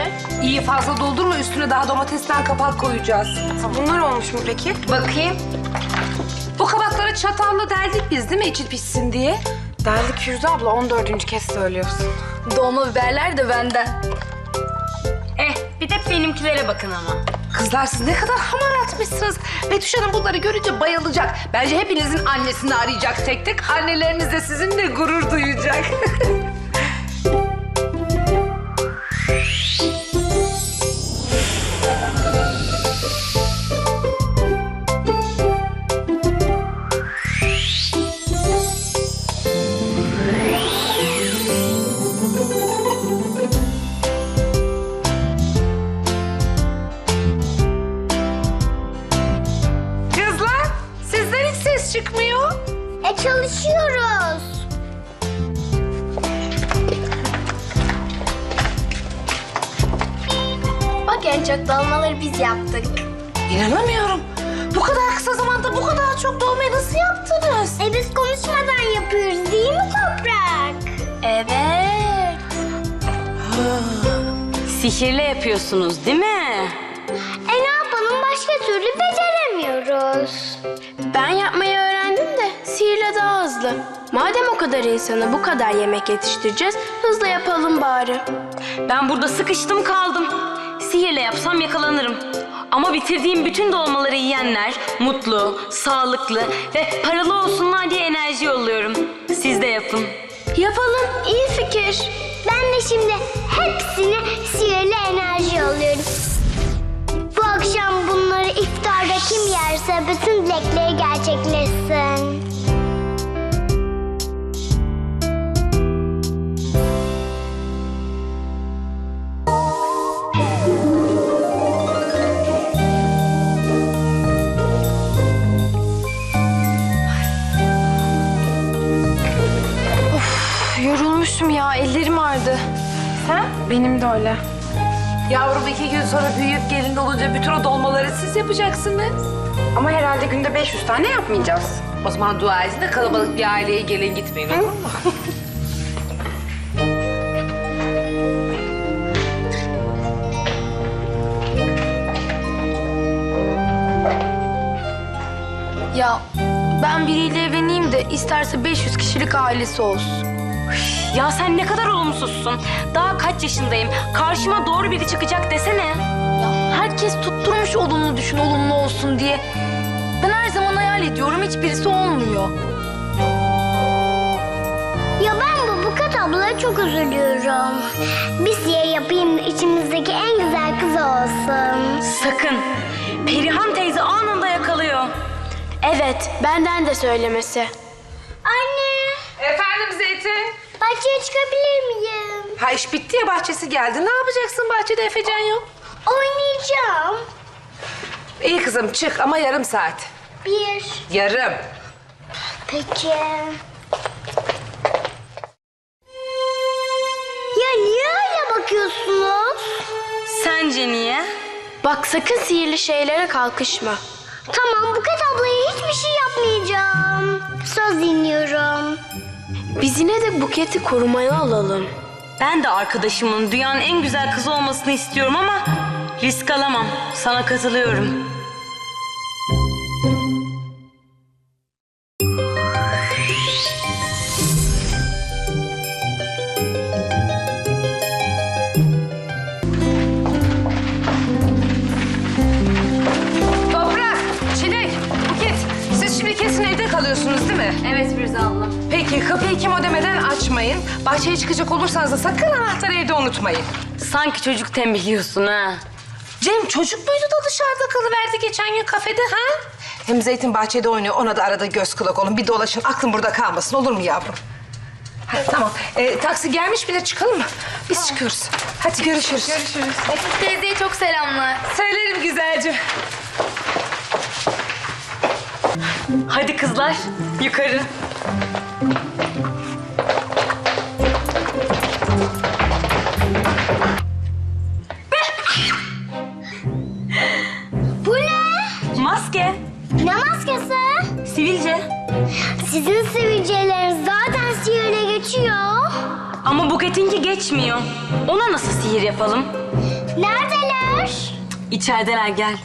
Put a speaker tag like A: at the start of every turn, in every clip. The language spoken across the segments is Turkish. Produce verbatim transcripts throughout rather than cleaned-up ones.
A: Evet.
B: İyi fazla doldurma, üstüne daha domatesten kapak koyacağız.
A: Bunlar olmuş mu peki?
B: Bakayım. Bu kabakları çatalla deldik biz değil mi içi pişsin diye?
A: Deldik Firuze abla, on dördüncü kez söylüyorsun.
C: Dolma biberler de benden.
D: Eh, bir de benimkilere bakın ama.
B: Kızlar siz ne kadar hamaratmışsınız. Betüş Hanım bunları görünce bayılacak. Bence hepinizin annesini arayacak tek tek. Anneleriniz de sizinle gurur duyacak. Kızlar sizden hiç ses çıkmıyor.
E: E çalışıyoruz. Bak en çok dolmaları biz yaptık.
B: İnanamıyorum. Bu kadar kısa zamanda bu kadar çok dolmayı nasıl yaptınız?
E: E biz konuşmadan yapıyoruz değil mi Toprak?
D: Evet. Sihirle yapıyorsunuz değil mi?
E: E ne yapalım, başka türlü beceremiyoruz.
C: Ben yapmayı öğrendim de sihirle daha hızlı. Madem o kadar insana bu kadar yemek yetiştireceğiz, hızlı yapalım bari.
D: Ben burada sıkıştım kaldım. Sihirle yapsam yakalanırım. Ama bitirdiğim bütün dolmaları yiyenler mutlu, sağlıklı ve paralı olsunlar diye enerji yolluyorum. Siz de yapın.
C: Yapalım, iyi fikir.
E: Ben de şimdi hepsine sihirli enerji yolluyorum. Bu akşam bunları iftarda kim yerse bütün dilekleri gerçekleşsin.
C: Yorulmuşum ya, ellerim ağrıdı.
A: Sen? Benim de öyle.
B: Yavrum iki gün sonra büyüyüp gelin olunca bütün o dolmaları siz yapacaksınız.
A: Ama herhalde günde beş yüz tane yapmayacağız.
B: O zaman dua edin de kalabalık bir aileye gelin gitmeyin olur mu?
C: Ya ben biriyle evleneyim de isterse beş yüz kişilik ailesi olsun.
D: Ya sen ne kadar olumsuzsun. Daha kaç yaşındayım. Karşıma doğru biri çıkacak desene.
C: Ya herkes tutturmuş olumlu düşün, olumlu olsun diye. Ben her zaman hayal ediyorum, hiçbirisi olmuyor.
E: Ya ben bu Buket ablaya çok üzülüyorum. Bir siye yapayım da içimizdeki en güzel kız olsun.
D: Sakın. Perihan teyze anında yakalıyor.
C: Evet, benden de söylemesi.
E: Anne,
B: Efendim Zeytin?
E: bahçeye çıkabilir miyim?
B: Ha iş bitti ya, bahçesi geldi. Ne yapacaksın bahçede, Efecan yok?
E: Oynayacağım.
B: İyi kızım çık ama yarım saat.
E: Bir.
B: Yarım.
E: Peki. Ya niye öyle bakıyorsunuz?
D: Sence niye?
C: Bak sakın sihirli şeylere kalkışma.
E: Tamam, Buket ablaya hiçbir şey yapmayacağım. Söz dinliyorum.
C: Biz yine de Buket'i korumaya alalım.
D: Ben de arkadaşımın dünyanın en güzel kızı olmasını istiyorum ama risk alamam. Sana katılıyorum.
B: Toprak, Çilek, Buket. Siz şimdi kesin evde kalıyorsunuz değil mi?
D: Evet Firuze abla.
B: Peki kapıyı kim ödemeden açmayın. Bahçeye çıkacak olursanız da sakın anahtarı evde unutmayın.
D: Sanki çocuk tembihliyorsun ha.
B: Cem çocuk muydu da dışarıda kalıverdi geçen gün kafede ha? Hem Zeytin bahçede oynuyor, ona da arada göz kulak olun. Bir dolaşın, aklın burada kalmasın, olur mu yavrum? Ha, tamam, ee, taksi gelmiş, bir de çıkalım mı? Biz çıkıyoruz. Hadi görüşürüz.
A: Görüşürüz.
C: Teyzeye çok selamlar.
B: Söylerim güzelce.
D: Hadi kızlar yukarı.
E: Bu ne?
D: Maske.
E: Ne maskesi?
D: Sivilce.
E: Sizin sivilceleriniz zaten sihirle geçiyor.
D: Ama Buket'inki geçmiyor. Ona nasıl sihir yapalım?
E: Neredeler?
D: İçerideler, gel.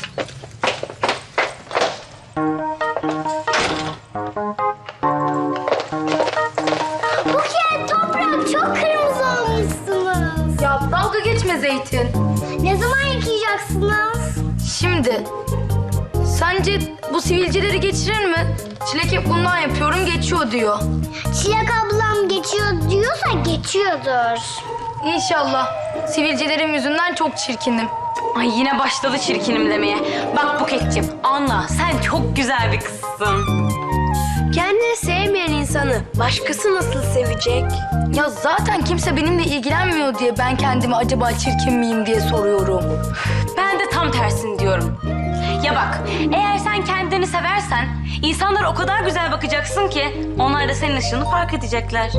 E: Buket, Toprak çok kırmızı olmuşsunuz.
B: Ya dalga geçme Zeytin.
E: Ne zaman yıkayacaksınız?
B: Şimdi sence bu sivilceleri geçirir mi? Çilek hep bundan yapıyorum geçiyor diyor.
E: Çilek ablam geçiyor diyorsa geçiyordur.
B: İnşallah. Sivilcelerim yüzünden çok çirkinim.
D: Ay yine başladı çirkinim demeye. Bak Buket'ciğim, anla sen çok güzel bir kızsın.
C: Kendini sevmeyen insanı başkası nasıl sevecek?
B: Ya zaten kimse benimle ilgilenmiyor diye ben kendimi acaba çirkin miyim diye soruyorum.
D: Ben de tam tersini diyorum. Ya bak, eğer sen kendini seversen insanlar o kadar güzel bakacaksın ki onlar da senin ışığını fark edecekler.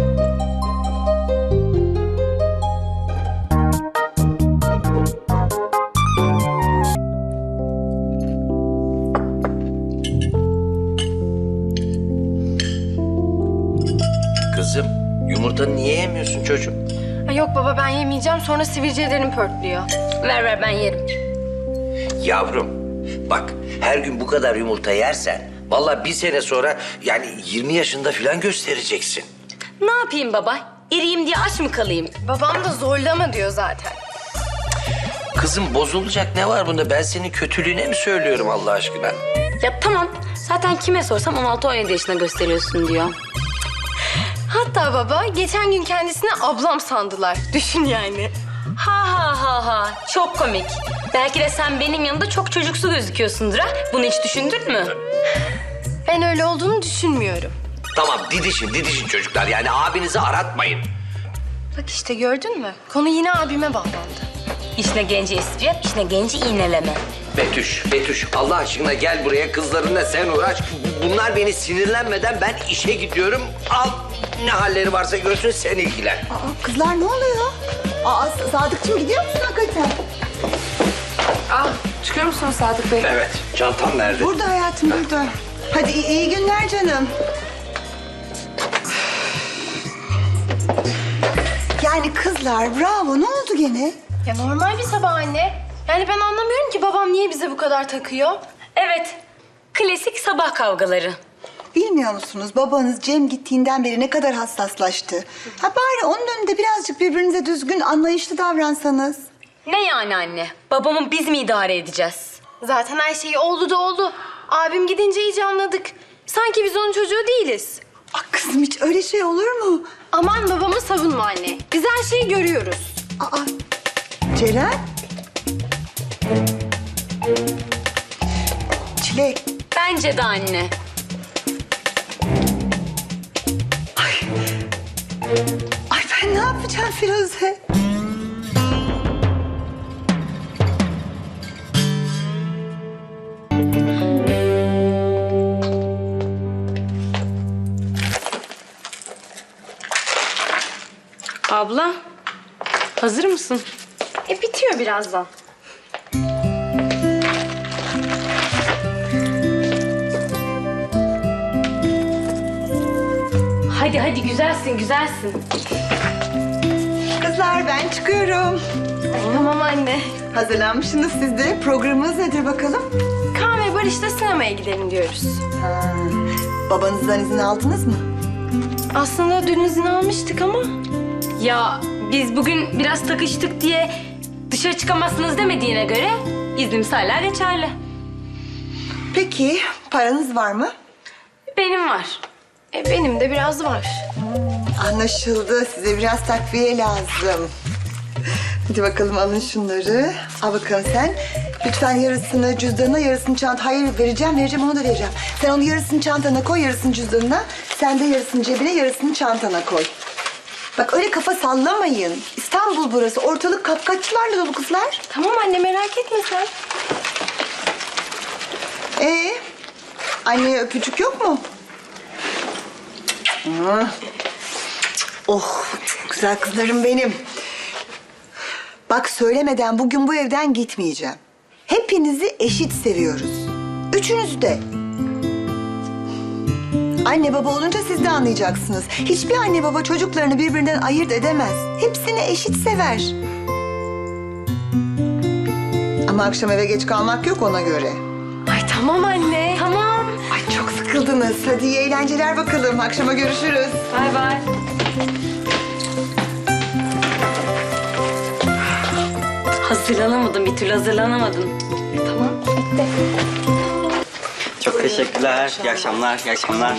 F: Kızım, yumurtanı niye yemiyorsun çocuğum?
A: Ay yok baba ben yemeyeceğim sonra sivilcelerim pörtlüyor.
B: Ver ver ben yerim.
F: Yavrum, bak her gün bu kadar yumurta yersen... vallahi bir sene sonra yani yirmi yaşında falan göstereceksin.
D: Ne yapayım baba? İriyim diye aç mı kalayım?
A: Babam da zorlama diyor zaten.
F: Kızım bozulacak ne var bunda? Ben senin kötülüğüne mi söylüyorum Allah aşkına?
D: Ya tamam, zaten kime sorsam on altı on yedi yaşında gösteriyorsun diyor.
A: Hatta baba geçen gün kendisine ablam sandılar. Düşün yani.
D: Ha ha ha ha, çok komik. Belki de sen benim yanımda çok çocuksu gözüküyorsundur ha? Bunu hiç düşündün mü?
A: Ben öyle olduğunu düşünmüyorum.
F: Tamam didişin didişin çocuklar yani abinizi aratmayın.
A: Bak işte gördün mü? Konu yine abime bağlandı.
D: İşine genci espri yap, işine genci iğneleme.
F: Betüş, Betüş Allah aşkına gel buraya kızlarınla sen uğraş. Bunlar beni sinirlenmeden ben işe gidiyorum. Al ne halleri varsa görsün sen ilgilen.
G: Aa, kızlar ne oluyor? Aa, Sadıkçım gidiyor musun hakikaten?
A: Ah çıkıyor musun Sadık Bey?
F: Evet çantam nerede?
G: Burada hayatım burada. Hadi iyi, iyi günler canım. Yani kızlar bravo ne oldu gene?
A: Ya normal bir sabah anne. Yani ben anlamıyorum ki babam niye bize bu kadar takıyor.
D: Evet, klasik sabah kavgaları.
G: Bilmiyor musunuz babanız Cem gittiğinden beri ne kadar hassaslaştı. Ha bari onun önünde birazcık birbirinize düzgün anlayışlı davransanız.
D: Ne yani anne? Babamı biz mi idare edeceğiz?
A: Zaten her şey oldu da oldu. Abim gidince iyice anladık. Sanki biz onun çocuğu değiliz.
G: Aa, kızım hiç öyle şey olur mu?
A: Aman babamı savunma anne. Biz her şeyi görüyoruz.
G: Aa, Ceren? Çilek.
D: Bence de anne.
G: Ay ben ne yapacağım Firuze?
D: Abla, hazır mısın?
A: E bitiyor birazdan.
D: Hadi hadi, güzelsin güzelsin.
G: Kızlar ben çıkıyorum.
A: Tamam anne.
G: Hazırlanmışsınız siz de. Programınız nedir bakalım?
A: Kaan ve Barış'la sinemaya gidelim diyoruz.
G: Ha, babanızdan izin aldınız mı?
A: Aslında dün izin almıştık ama...
D: Ya biz bugün biraz takıştık diye dışarı çıkamazsınız demediğine göre iznimiz hala geçerli.
G: Peki paranız var mı?
D: Benim var.
A: E, benim de biraz var.
G: Anlaşıldı. Size biraz takviye lazım. Hadi bakalım alın şunları. Al bakalım sen. Lütfen yarısını cüzdanına, yarısını çanta. Hayır vereceğim, vereceğim onu da vereceğim. Sen onu yarısını çantana koy, yarısını cüzdanına. Sen de yarısını cebine, yarısını çantana koy. Bak öyle kafa sallamayın. İstanbul burası. Ortalık kapkaççılarla dolu kızlar.
A: Tamam anne merak etme sen.
G: Ee, anneye öpücük yok mu? Hı. Oh, güzel kızlarım benim. Bak söylemeden bugün bu evden gitmeyeceğim. Hepinizi eşit seviyoruz. Üçünüzü de. Anne baba olunca siz de anlayacaksınız. Hiçbir anne baba çocuklarını birbirinden ayırt edemez. Hepsini eşit sever. Ama akşam eve geç kalmak yok ona göre.
A: Ay tamam anne.
D: Tamam.
G: Ay çok sıkıldınız. Hadi iyi eğlenceler bakalım. Akşama görüşürüz.
D: Bay bay. Hazırlanamadım, bir türlü hazırlanamadım.
H: Çok teşekkürler. İyi akşamlar, iyi akşamlar.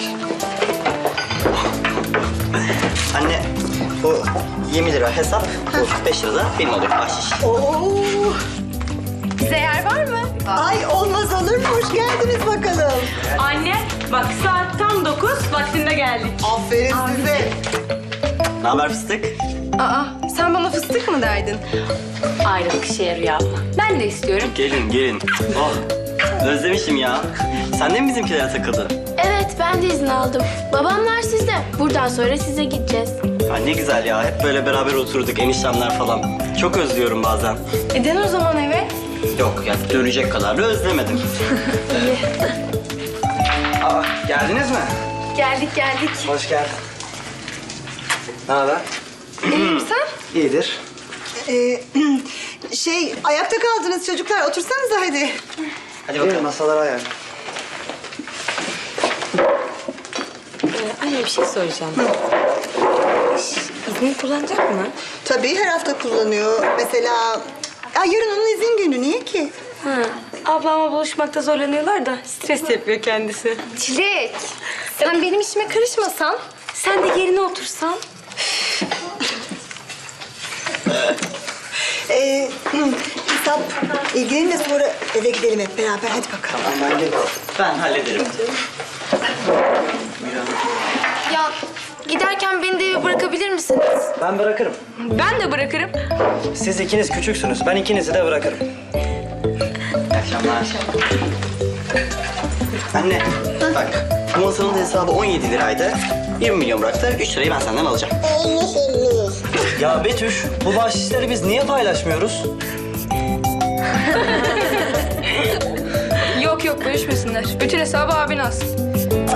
H: Anne, bu yirmi lira hesap, bu beş lira da benim oluyor bahşiş.
G: Oo.
A: Bize yer var mı?
G: Ay olmaz olur mu? Hoş geldiniz bakalım.
D: Anne, bak saat tam dokuz, vaktinde geldik.
G: Aferin size.
H: Ne haber fıstık?
A: Aa, sen bana fıstık mı derdin?
D: Ayrılık işe yarıyor abla. Ben de istiyorum.
H: Gelin, gelin. Oh, özlemişim ya. Sen de mi bizimkilere takıldın?
C: Evet, ben de izin aldım. Babamlar sizde. Buradan sonra size gideceğiz.
H: Ha, ne güzel ya. Hep böyle beraber oturduk, eniştemler falan. Çok özlüyorum bazen.
A: E dön o zaman eve.
H: Yok ya, dönecek kadar da özlemedim. Aa, geldiniz mi?
A: Geldik geldik.
H: Hoş geldin. Ne haber?
A: İyiyim sen?
H: İyidir.
G: Ee, şey ayakta kaldınız çocuklar. Otursanıza hadi.
H: Hadi bakalım masalara ayar.
D: Anne bir şey soracağım. İzni kullanacak mı?
G: Tabii her hafta kullanıyor. Mesela ya yarın onun izin günü. Niye ki?
D: Ha, ablamla buluşmakta zorlanıyorlar da stres yapıyor kendisi.
A: Çilek. Sen benim işime karışmasan.
D: Sen de yerine otursan.
G: Ee, hesap ilgilenin de sonra eve gidelim hep beraber. Hadi bakalım.
H: Ben, ben hallederim.
A: Ya giderken beni de eve bırakabilir misiniz?
H: Ben bırakırım.
A: Ben de bırakırım.
H: Siz ikiniz küçüksünüz. Ben ikinizi de bırakırım. İyi akşamlar. Anne, bak bu masanın hesabı on yedi liraydı. yirmi milyon bıraktı. üç lirayı ben senden alacağım. Ya Betüş, bu bahşişleri biz niye paylaşmıyoruz?
I: Yok yok bölüşmesinler. Bütün hesabı abin alsın.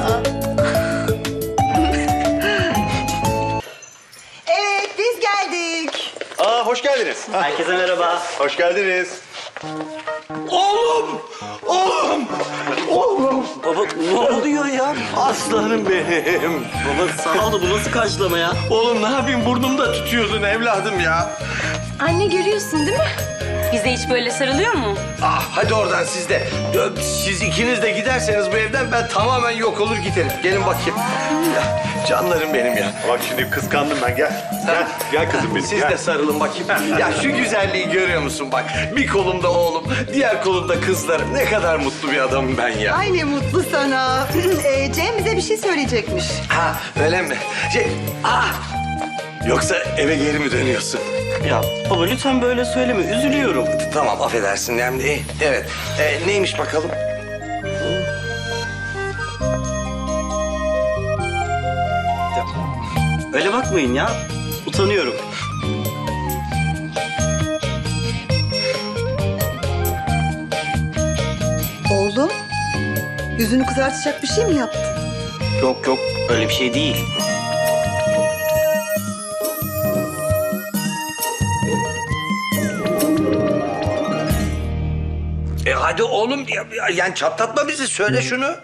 G: Evet biz geldik.
J: Aa hoş geldiniz.
H: Herkese merhaba.
J: Hoş geldiniz.
F: Oğlum! Oğlum! Oğlum!
H: Baba ne oluyor ya?
J: Aslanım benim.
H: Baba sağ ol da bu nasıl karşılama ya?
J: Oğlum ne yapayım burnumda tutuyordun evladım ya.
A: Anne görüyorsun değil mi?
D: Bize hiç böyle sarılıyor mu?
F: Ah hadi oradan siz de. Siz ikiniz de giderseniz bu evden ben tamamen yok olur giderim. Gelin bakayım.
J: Ya, canlarım benim ya. Bak şimdi kıskandım ben gel. Gel, gel kızım benim.
F: Siz
J: gel.
F: de sarılın bakayım. Ya şu güzelliği görüyor musun bak? Bir kolumda oğlum, diğer kolumda kızlarım. Ne kadar mutlu bir adamım ben ya.
G: Ay ne mutlu sana. ee, Cem bize bir şey söyleyecekmiş.
F: Ha öyle mi? Şey, ah! Yoksa eve geri mi dönüyorsun?
H: Ya baba lütfen böyle söyleme. Üzülüyorum.
F: Tamam affedersin hem de. Evet. Ee, neymiş bakalım?
H: Öyle bakmayın ya. Utanıyorum.
G: Oğlum yüzünü kızartacak bir şey mi yaptın?
H: Yok yok öyle bir şey değil.
F: E hadi oğlum ya, ya- yani çatlatma bizi söyle şunu.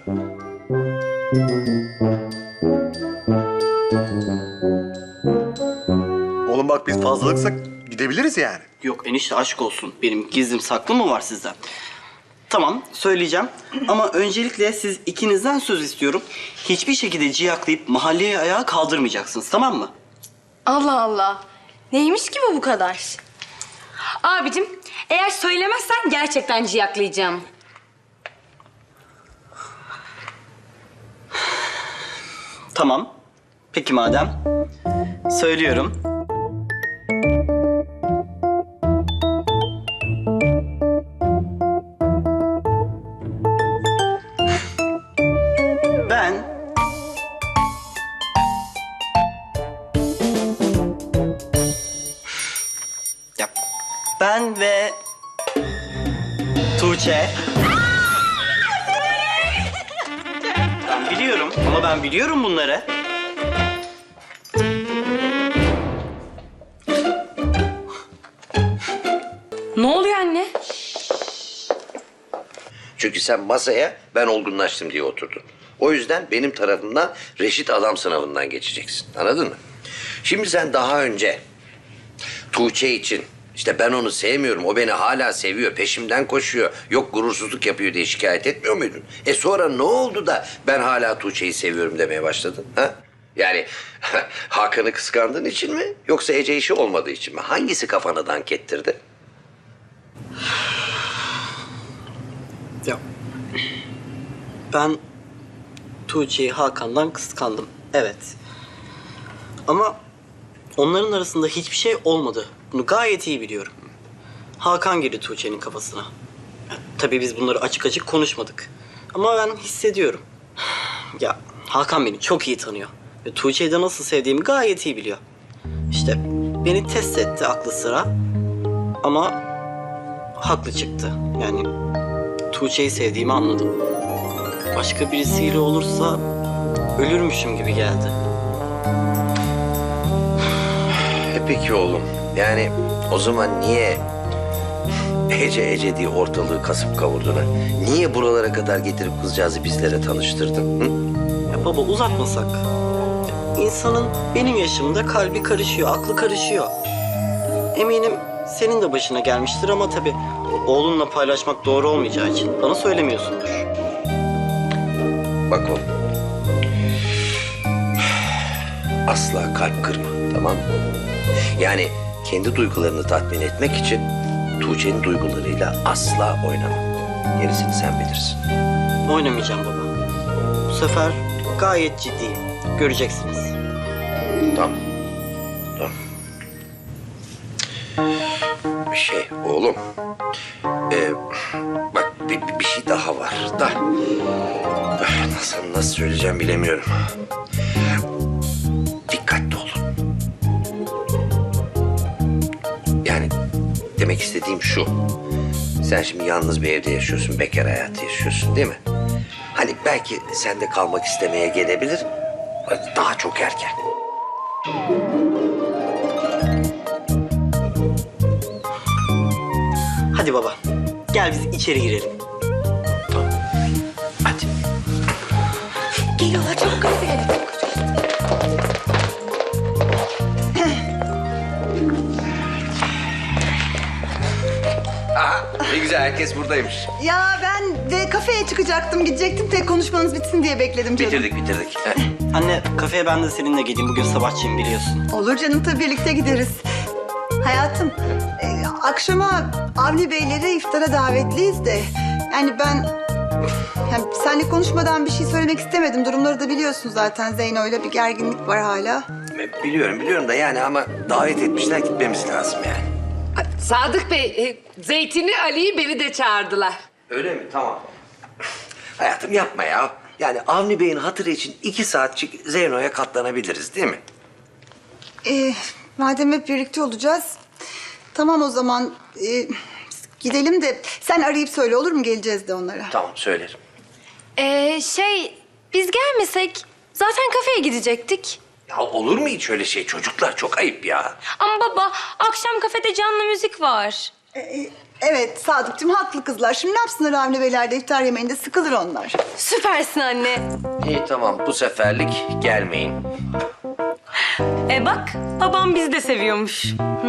J: Oğlum bak biz fazlalıksak gidebiliriz yani.
H: Yok enişte aşk olsun. Benim gizlim saklı mı var sizden? Tamam söyleyeceğim ama öncelikle siz ikinizden söz istiyorum. Hiçbir şekilde ciyaklayıp mahalleye ayağa kaldırmayacaksınız tamam mı?
A: Allah Allah. Neymiş ki bu bu kadar?
D: Abicim, eğer söylemezsen gerçekten ciyaklayacağım.
H: Tamam. Peki madem. Söylüyorum. Ben Ya ben ve Tuğçe. Ben biliyorum ama ben biliyorum bunları.
D: Ne oluyor anne?
F: Çünkü sen masaya ben olgunlaştım diye oturdun. O yüzden benim tarafımdan reşit adam sınavından geçeceksin. Anladın mı? Şimdi sen daha önce Tuğçe için işte ben onu sevmiyorum, o beni hala seviyor, peşimden koşuyor, yok gurursuzluk yapıyor diye şikayet etmiyor muydun? E sonra ne oldu da ben hala Tuğçe'yi seviyorum demeye başladın? Ha? Yani Hakan'ı kıskandığın için mi yoksa Ece işi olmadığı için mi? Hangisi kafanı dank ettirdi?
H: Ya ben Tuğçe'yi Hakan'dan kıskandım. Evet. Ama onların arasında hiçbir şey olmadı. Bunu gayet iyi biliyorum. Hakan girdi Tuğçe'nin kafasına. Ya, tabii biz bunları açık açık konuşmadık. Ama ben hissediyorum. Ya Hakan beni çok iyi tanıyor. Ve Tuğçe'yi de nasıl sevdiğimi gayet iyi biliyor. İşte beni test etti aklı sıra. Ama haklı çıktı. Yani Tuğçe'yi sevdiğimi anladım. Başka birisiyle olursa ölürmüşüm gibi geldi.
F: E peki oğlum. Yani o zaman niye Ece Ece diye ortalığı kasıp kavurdun ha? Niye buralara kadar getirip kızcağızı bizlere tanıştırdın? Hı?
H: Ya baba uzatmasak. İnsanın benim yaşımda kalbi karışıyor, aklı karışıyor. Eminim senin de başına gelmiştir ama tabii oğlunla paylaşmak doğru olmayacağı için bana söylemiyorsundur.
F: Bak oğlum. Asla kalp kırma, tamam mı? Yani kendi duygularını tatmin etmek için Tuğçe'nin duygularıyla asla oynama. Gerisini sen bilirsin.
H: Oynamayacağım baba. Bu sefer gayet ciddiyim. Göreceksiniz.
F: Tamam. Tamam. Şey oğlum. Ee, bak bir, bir şey daha var da. Nasıl, nasıl söyleyeceğim bilemiyorum. Dikkatli olun. Yani demek istediğim şu. Sen şimdi yalnız bir evde yaşıyorsun, bekar hayatı yaşıyorsun değil mi? Hani belki sen de kalmak istemeye gelebilir. Daha çok erken.
H: Hadi baba. Gel biz içeri girelim.
F: Hadi.
G: Geliyorlar çabuk hadi.
F: Aha, ne güzel herkes buradaymış.
G: Ya ben de kafeye çıkacaktım, gidecektim. Tek konuşmanız bitsin diye bekledim canım.
F: Bitirdik bitirdik.
H: Anne kafeye ben de seninle geleyim. Bugün sabahçıyım biliyorsun.
G: Olur canım, tabii birlikte gideriz. Hayatım, e, akşama Avni Beylere iftara davetliyiz de... Yani ben... Yani seninle konuşmadan bir şey söylemek istemedim. Durumları da biliyorsun zaten. Zeyno'yla bir gerginlik var hala.
F: Biliyorum biliyorum da yani ama davet etmişler, gitmemiz lazım yani.
B: Sadık Bey, e, Zeytin'i, Ali'yi, beni de çağırdılar.
F: Öyle mi? Tamam. Hayatım yapma ya. Yani Avni Bey'in hatırı için iki saatçik Zeyno'ya katlanabiliriz değil mi?
G: E, madem hep birlikte olacağız... Tamam o zaman... E, gidelim de sen arayıp söyle, olur mu? Geleceğiz de onlara.
F: Tamam söylerim.
A: Ee, şey biz gelmesek zaten kafeye gidecektik.
F: Ya olur mu hiç öyle şey? Çocuklar çok ayıp ya.
D: Ama baba akşam kafede canlı müzik var.
G: E, e, evet Sadıkçım, haklı kızlar. Şimdi ne yapsınlar Avni Beyler'de iftar yemeğinde? Sıkılır onlar.
A: Süpersin anne.
F: İyi tamam, bu seferlik gelmeyin.
D: E bak babam bizi de seviyormuş.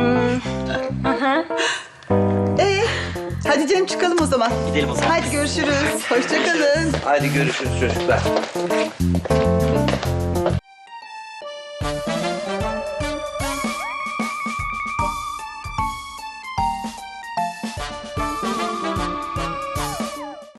G: Ee, hadi canım çıkalım o zaman.
H: Gidelim o zaman.
G: Hadi görüşürüz. Hoşça kalın.
F: Hadi görüşürüz çocuklar.